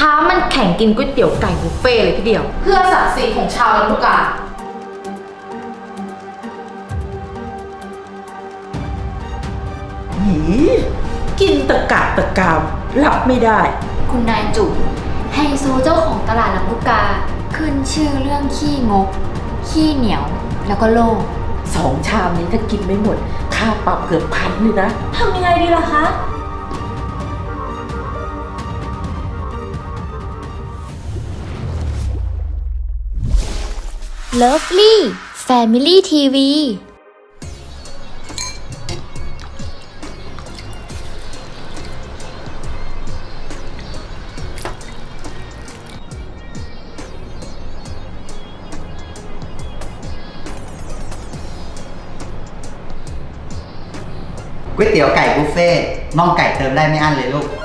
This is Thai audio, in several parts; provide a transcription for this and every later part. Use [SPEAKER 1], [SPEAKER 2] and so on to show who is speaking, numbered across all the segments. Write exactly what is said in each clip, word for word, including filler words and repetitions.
[SPEAKER 1] ท้ามันแข่งกินก๋วยเตี๋ยวไก่บุฟเฟ่เลยพี่เดียวเพื่อศักดิ์ศรีของชาวลำพูกา
[SPEAKER 2] หีกินตะกะตะกามรับไม่ได้
[SPEAKER 3] คุณนายจุ๋มไฮโซเจ้าของตลาดลำพูกาขึ้นชื่อเรื่องขี้งกขี้เหนียวแล้วก็โลภ
[SPEAKER 2] สองชามนี้ถ้ากินไม่หมดค่าปรับเกือบพันเลยนะ
[SPEAKER 3] ทำยังไงดีล่ะคะ Lovely Family ที วี
[SPEAKER 4] ก๋วยเตี๋ยวไก่บุฟเฟ่น่องไก่เติมได้ไม่อั้นเลยลูก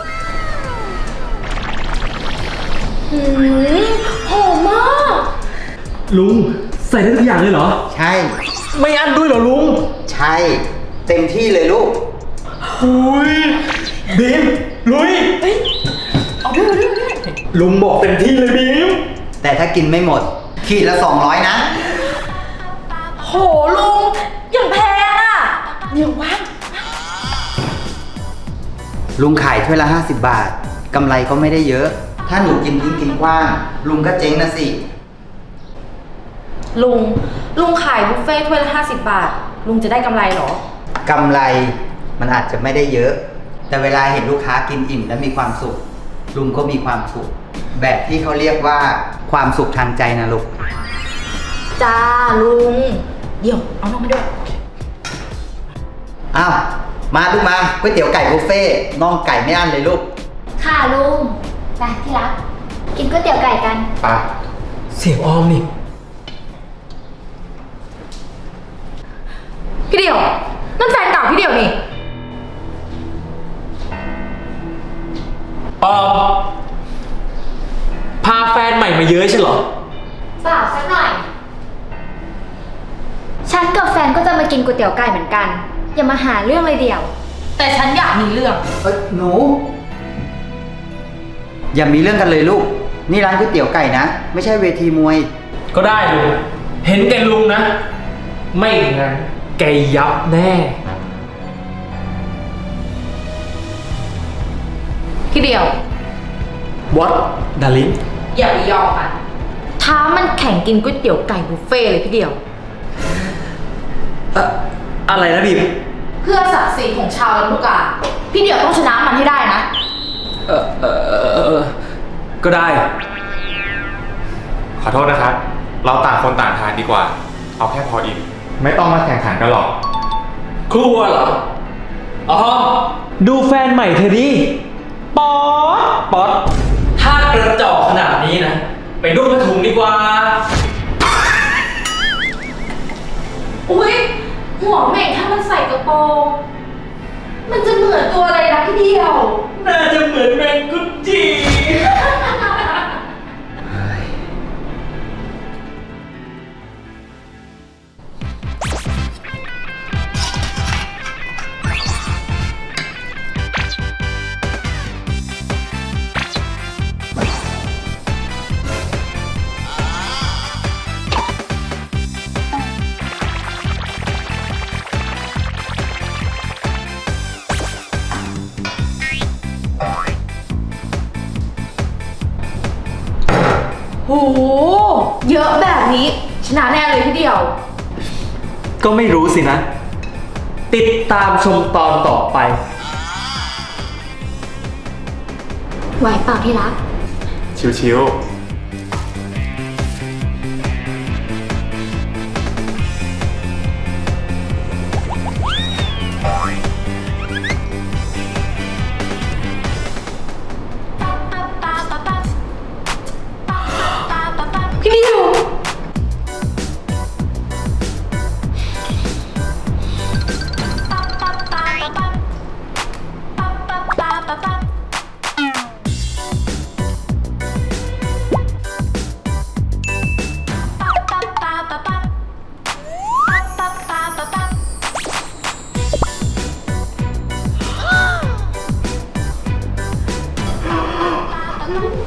[SPEAKER 1] หืมหอมมาก
[SPEAKER 5] ลุงใส่ได้ทุกอย่างเลยเหรอ
[SPEAKER 4] ใช่
[SPEAKER 5] ไม่อั้นด้วยเหรอลุง
[SPEAKER 4] ใช่เต็มที่เลยลูก
[SPEAKER 5] หุยบีมลุย
[SPEAKER 1] เอาด้วยเอาด้วย
[SPEAKER 5] ลุงบอกเต็มที่เลยบีม
[SPEAKER 4] แต่ถ้ากินไม่หมดขีดละสองร้อยนะ
[SPEAKER 1] โหลุงอย่างแพงอ่ะเดี๋ยวว่าง
[SPEAKER 4] ลุงขายถ้วยละห้าสิบบาทกำไรก็ไม่ได้เยอะถ้าหนูกินทิ้งกินกว้างลุงก็เจ๊งนะสิ
[SPEAKER 1] ลุงลุงขายบุฟเฟ่ถ้วยละห้าสิบบาทลุงจะได้กำไรเหรอก
[SPEAKER 4] ำไรมันอาจจะไม่ได้เยอะ แต่เวลาเห็นลูกค้ากินอิ่มและมีความสุขลุงก็มีความสุขแบบที่เขาเรียกว่าความสุขทางใจนะลูก
[SPEAKER 1] จ้าลุงเดี๋ยวเอาน้องมาด้วย
[SPEAKER 4] อ้าวมาลูกมาก๋วยเตี๋ยวไก่บุฟเฟ่น่องไก่ไม่อั้นเลยลูก
[SPEAKER 3] ค่ะลุงไปที่รักกินก๋วยเตี๋ยวไก่กัน
[SPEAKER 4] ไป
[SPEAKER 5] เสียงออมนี่
[SPEAKER 1] พี่เดี่ยวนั่นแฟนเก่าพี่เดี่ยวนี่
[SPEAKER 5] ออมพาแฟนใหม่มาเยอะใช่เหรอ
[SPEAKER 3] เปล่าสักหน่อยฉันกับแฟนก็จะมากินก๋วยเตี๋ยวไก่เหมือนกันอย่ามาหาเรื่องเลยเดี่ยว
[SPEAKER 1] แต่ฉันอยากมีเรื่อง
[SPEAKER 4] เอ้ยหนูอย่ามีเรื่องกันเลยลูกนี่ร้านก๋วยเตี๋ยวไก่นะไม่ใช่เวทีมวย
[SPEAKER 5] ก็ได้ลุงเห็นแกลุงนะไม่งั้นแกยับแน่
[SPEAKER 1] พี่เดียว
[SPEAKER 5] What darling
[SPEAKER 1] อย่าไปยอมมันท้ามันแข่งกินก๋วยเตี๋ยวไก่บุฟเฟ่เลยพี่เดียว
[SPEAKER 5] อะอะไรนะบีม
[SPEAKER 1] เพื่อศักดิ์ศรีของชาวลำพูกาพี่เดียวต้องชนะมันให้ได้นะ
[SPEAKER 5] เออเออเออเออก็ได้
[SPEAKER 6] ขอโทษนะครับเราต่างคนต่างทานดีกว่าเอาแค่พออิ่มไม่ต้องมาแข่งขันกันหรอก
[SPEAKER 5] ครัวเหรออ๋อดูแฟนใหม่เธอดิป๊อดป๊อดถ้ากระจอกขนาดนี้นะไปนุ่งผ้าถุงดีกว่า
[SPEAKER 1] อุ๊ยหัวเหม่งถ้ามันใส่กระโปรงมันจะเหมือนตัวอะไรนะพี่เดียว
[SPEAKER 5] น่าจะเหมือนแมงกุดจี
[SPEAKER 1] โหเยอะแบบนี้ชนะแน่เลยพี่เดียว
[SPEAKER 5] ก็ไม่รู้สินะติดตามชมตอนต่อไป
[SPEAKER 3] ไหวเปล่าที่รัก
[SPEAKER 6] ชิวๆ
[SPEAKER 1] พี่เดียว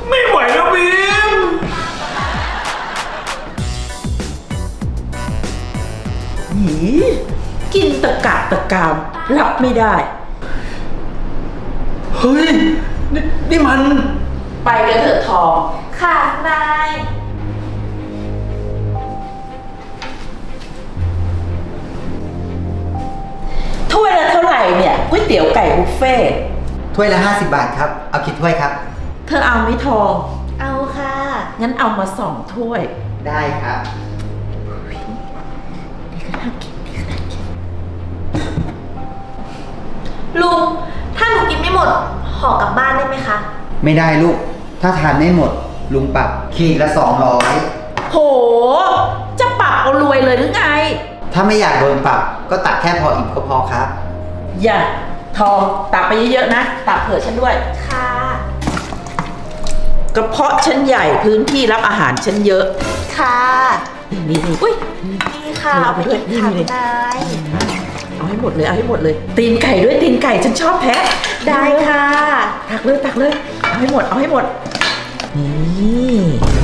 [SPEAKER 5] ไม่ไหวแล้วบีม
[SPEAKER 2] หีกินตะกะตะกามรับไม่ได้
[SPEAKER 5] เฮ้ย นี่นี่มัน
[SPEAKER 2] ไปกันเถอะทอง
[SPEAKER 1] ค่ะนาย
[SPEAKER 2] ถ้วยละเท่าไหร่เนี่ยก๋วยเตี๋ยวไก่บุฟเฟ่ต์
[SPEAKER 4] ถ้วยละห้าสิบบาทครับ เอากี่ถ้วยครับ
[SPEAKER 2] เธอเอาไหมทอง
[SPEAKER 1] เอาค่ะ
[SPEAKER 2] งั้นเอามาสองถ้วย
[SPEAKER 4] ได้ครับ
[SPEAKER 1] ลุง ถ้าหนูกินไม่หมดห่อกลับบ้านได้ไหมคะ
[SPEAKER 4] ไม่ได้ลูก ถ้าทานไม่หมด ลุงปรับขีดละสองร้อย
[SPEAKER 2] โห จะปรับเอารวยเลยหรือไง
[SPEAKER 4] ถ้าไม่อยากโดนปรับ ก็ตักแค่พออิ่มก็พอครับ
[SPEAKER 2] อย่า ทองตักไปเยอะๆนะ ตักเผื่อฉันด้วย
[SPEAKER 1] ค่ะ
[SPEAKER 2] กระเพาะฉันใหญ่พื้นที่รับอาหารฉันเยอะ
[SPEAKER 1] ค่ะ
[SPEAKER 2] นี่นี่นี่
[SPEAKER 1] อุ้ยนี่ค่ะ
[SPEAKER 2] เอา
[SPEAKER 1] เอา
[SPEAKER 2] ไป
[SPEAKER 1] ไป
[SPEAKER 2] ด้วย
[SPEAKER 1] อีกค่ะ
[SPEAKER 2] นี่
[SPEAKER 1] นาย
[SPEAKER 2] เอาให้หมดเลย เอาให้หมดเลย ตีนไก่ด้วยตีนไก่ฉันชอบแพ้
[SPEAKER 1] ได้ค่ะ
[SPEAKER 2] ตักเลยตักเลย เอาให้หมด เอาให้หมด นี่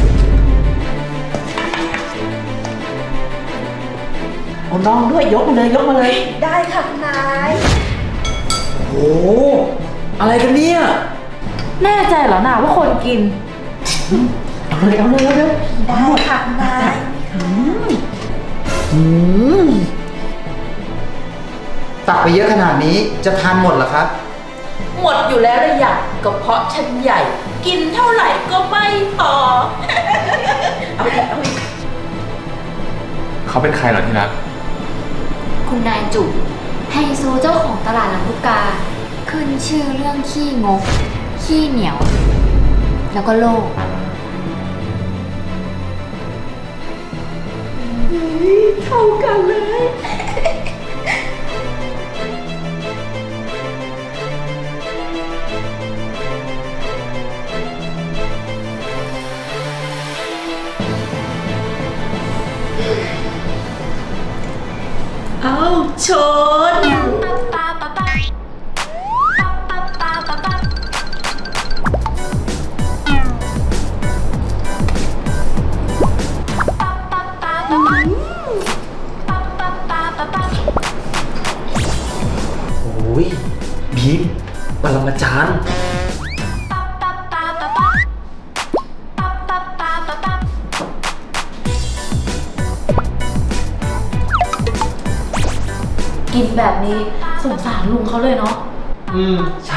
[SPEAKER 2] เอาน้องด้วยยกมาเลยยกมาเลย
[SPEAKER 1] ได้ค่ะนาย
[SPEAKER 5] โอ้โห อะไรกันเนี่ย
[SPEAKER 2] แน่ใจเหรอนาว่าคนกิน เอาเลยเอาเลยเอาเลย
[SPEAKER 1] ได้ค่ะนาย
[SPEAKER 2] อืม
[SPEAKER 4] ตักไปเยอะขนาดนี้จะทานหมดเหรอครับ
[SPEAKER 2] หมดอยู่แล้วเลยอยากกระเพาะฉันใหญ่ กินเท่าไหร่ก็ไม่พอ เอาอีกเอาอีก
[SPEAKER 6] เขาเป็นใครเหรอที่รัก
[SPEAKER 3] คุณนายจุ๋มไฮโซเจ้าของตลาดลำลูกกา ขึ้นชื่อเรื่องขี้งก ขี้เหนียว แล้วก็โลภ
[SPEAKER 2] เข้ากันเลย เอาชน
[SPEAKER 5] โอ้ย บีมปรมาจารย์
[SPEAKER 1] กินแบบนี้สงสารลุงเขาเลยเนาะ
[SPEAKER 5] อืม ใช่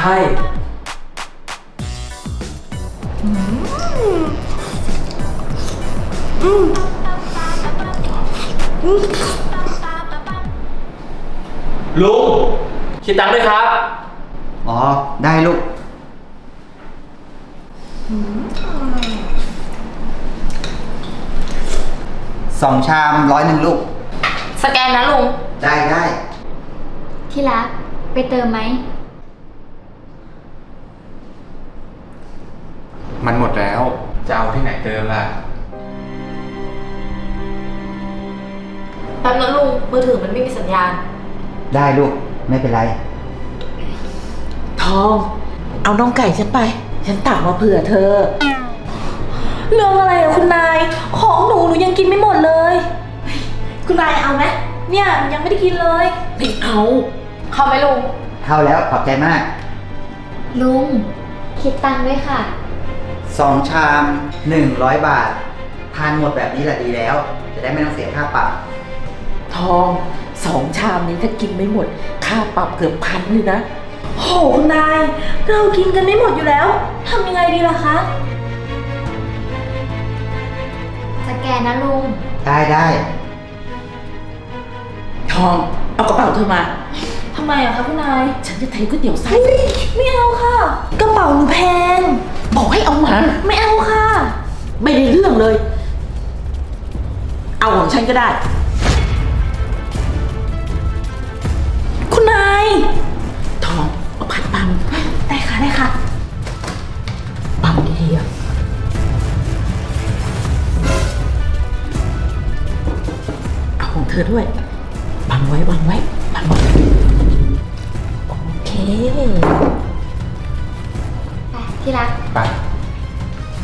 [SPEAKER 5] ลุง คิดตังค์ด้วยครับ
[SPEAKER 4] อ๋อ ได้ลูก สองชามร้อยหนึ่งลูก
[SPEAKER 1] สแกนนะลุง
[SPEAKER 4] ได้ได้
[SPEAKER 3] ที่รัก ไปเติมไหม
[SPEAKER 6] มันหมดแล้ว จะเอาที่ไหนเติมล่ะ
[SPEAKER 1] แป๊บนะลุง มือถือมันไม่มีสัญญาณ
[SPEAKER 4] ได้ลูก ไม่เป็นไร
[SPEAKER 2] ทอง เอาน้องไก่ฉันไป ฉันตักมาเผื่อเธอ
[SPEAKER 1] เรื่องอะไรอะคุณนาย ของหนูหนูยังกินไม่หมดเลย คุณนายเอาไหมเนี่ยยังไม่ได้กินเลย
[SPEAKER 2] ไม่เอา
[SPEAKER 1] เข้าไหมลุง
[SPEAKER 4] เข้าแล้วขอบใจมาก
[SPEAKER 3] ลุง คิดตังค์ด้วยค่ะ
[SPEAKER 4] สองชามหนึ่งร้อยบาท ทานหมดแบบนี้แหละดีแล้ว จะได้ไม่ต้องเสียค่าปรับ
[SPEAKER 2] ทองสองชามนี้ถ้ากินไม่หมด ค่าปรับเกือบพันเลยนะ
[SPEAKER 1] โหคุณนาย เรากินกันไม่หมดอยู่แล้วทำยังไงดีล่ะคะ
[SPEAKER 3] สแกนนะลุง
[SPEAKER 4] ได้ได้
[SPEAKER 2] ทอง เอากระเป๋าเธอมา
[SPEAKER 1] ทำไมอะคะคุณนาย
[SPEAKER 2] ฉันจะเทก๋วยเตี๋ยวไส้
[SPEAKER 1] ไม่เอาค่ะ กระเป๋าหนูแพง
[SPEAKER 2] บอกให้เอามา
[SPEAKER 1] ไม่เอาค่ะ
[SPEAKER 2] ไม่ได้เรื่องเลย เอาของฉันก็ได้
[SPEAKER 1] คุณนาย
[SPEAKER 2] ทอง เอาพัดปัง
[SPEAKER 1] ได้ค่ะได้ค่ะ
[SPEAKER 2] ปังดีๆอะเอาของเธอด้วยบังไว้บังไว้บังไว้โอเค
[SPEAKER 3] ไป ที่รัก
[SPEAKER 6] ไป